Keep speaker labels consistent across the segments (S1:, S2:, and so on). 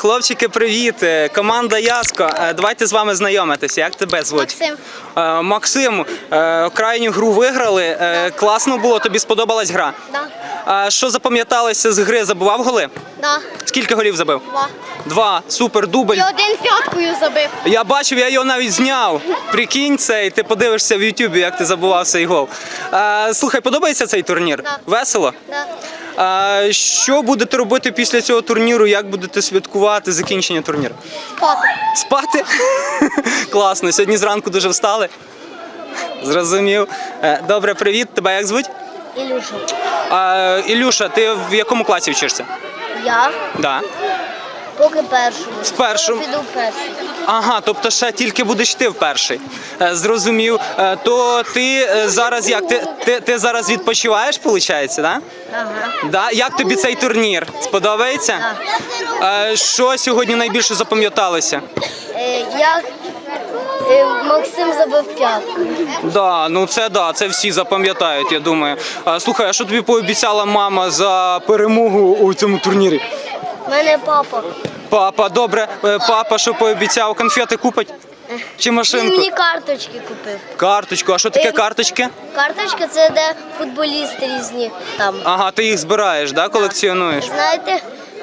S1: Хлопчики, привіт! Команда Яско. Давайте з вами знайомитися. Як тебе звуть?
S2: Максим.
S1: Максим, крайню гру виграли. Класно було, тобі сподобалась гра?
S2: Да.
S1: Що запам'яталося з гри? Забивав голи?
S2: Да.
S1: Скільки голів забив?
S2: 2.
S1: 2. Супер, дубль.
S2: І один п'яткою забив.
S1: Я бачив, я його навіть зняв. Прикинь це, і ти подивишся в Ютубі, як ти забував цей гол. Слухай, подобається цей турнір?
S2: Да.
S1: Весело?
S2: Да.
S1: Що будете робити після цього турніру? Як будете святкувати закінчення турніру?
S2: Спати.
S1: Спати? Класно. Сьогодні зранку дуже встали? Зрозумів. Добре, привіт. Тебе як звуть?
S2: Ілюша.
S1: Ілюша, ти в якому класі вчишся?
S2: Я
S1: Да.
S2: поки першому.
S1: В першому?
S2: Піду в перший.
S1: Ага, тобто ще тільки будеш ти в перший. Зрозумів. То ти зараз як? Ти зараз відпочиваєш, виходить, да?
S2: Ага.
S1: Да? Як тобі цей турнір? Сподобається? Що сьогодні найбільше запам'яталося?
S2: Як Максим забив п'ятку.
S1: Да, ну це всі запам'ятають, я думаю. Слухай, а що тобі пообіцяла мама за перемогу у цьому турнірі?
S2: У мене папа.
S1: Папа, добре. Папа, що пообіцяв, конфети купить? Чи
S2: Він
S1: машинку?
S2: мені карточки купив.
S1: Карточку. А що таке карточки?
S2: Карточка це де футболісти різні там.
S1: Ага, ти їх збираєш, да, колекціонуєш?
S2: Знаєте,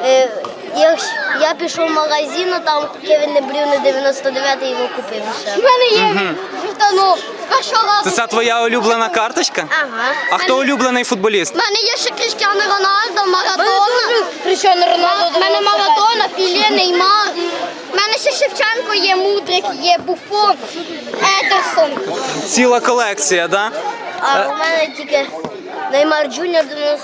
S2: я пішов в магазин, а там Кевін De Bruyne 99 його купив ще. У мене є вівтанок.
S1: Це твоя улюблена карточка?
S2: Ага.
S1: А хто улюблений футболіст?
S2: У мене є ще Кріштіану Роналдо, Марадона. Кріштіану Роналдо. У мене Марадона, Піле, Неймар. У мене ще Шевченко є, Мудрик, є Буфон, Едерсон.
S1: Ціла колекція, да?
S2: А у мене тільки Неймар Джуніор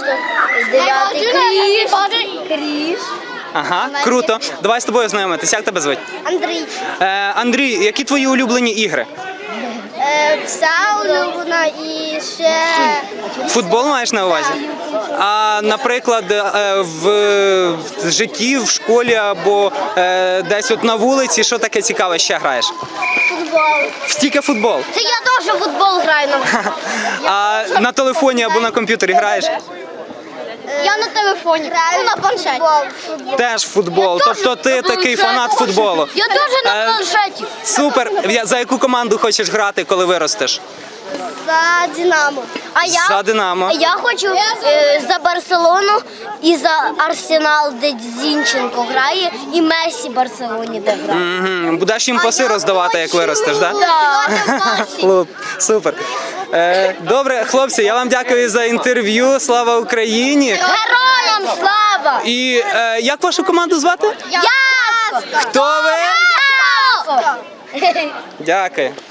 S2: 99-й. Кріш.
S1: Ага, круто. Давай з тобою знайомитись. Як тебе звуть?
S2: Андрій.
S1: Андрій, які твої улюблені ігри?
S2: Вся улюблена і ще...
S1: Футбол маєш на увазі? А, наприклад, в житті, в школі або десь от на вулиці, що таке цікаве ще граєш?
S2: Футбол.
S1: Тільки футбол.
S2: Це я теж в футбол граю.
S1: А на телефоні або на комп'ютері граєш?
S2: Я на телефоні, на планшеті.
S1: Теж футбол. Тобто ти такий фанат футболу.
S2: Я теж на планшеті.
S1: Супер. За яку команду хочеш грати, коли виростеш?
S2: За Динамо.
S1: За Динамо.
S2: Я хочу за Барселону і за Арсенал, де Зінченко грає, і Месі в Барселоні, де грає.
S1: Будеш їм паси роздавати, як виростеш, так?
S2: Так.
S1: Супер. Добре, хлопці, я вам дякую за інтерв'ю. Слава Україні!
S2: Героям слава!
S1: І як вашу команду звати?
S2: Яско!
S1: Хто ви?
S2: Яско!
S1: Дякую.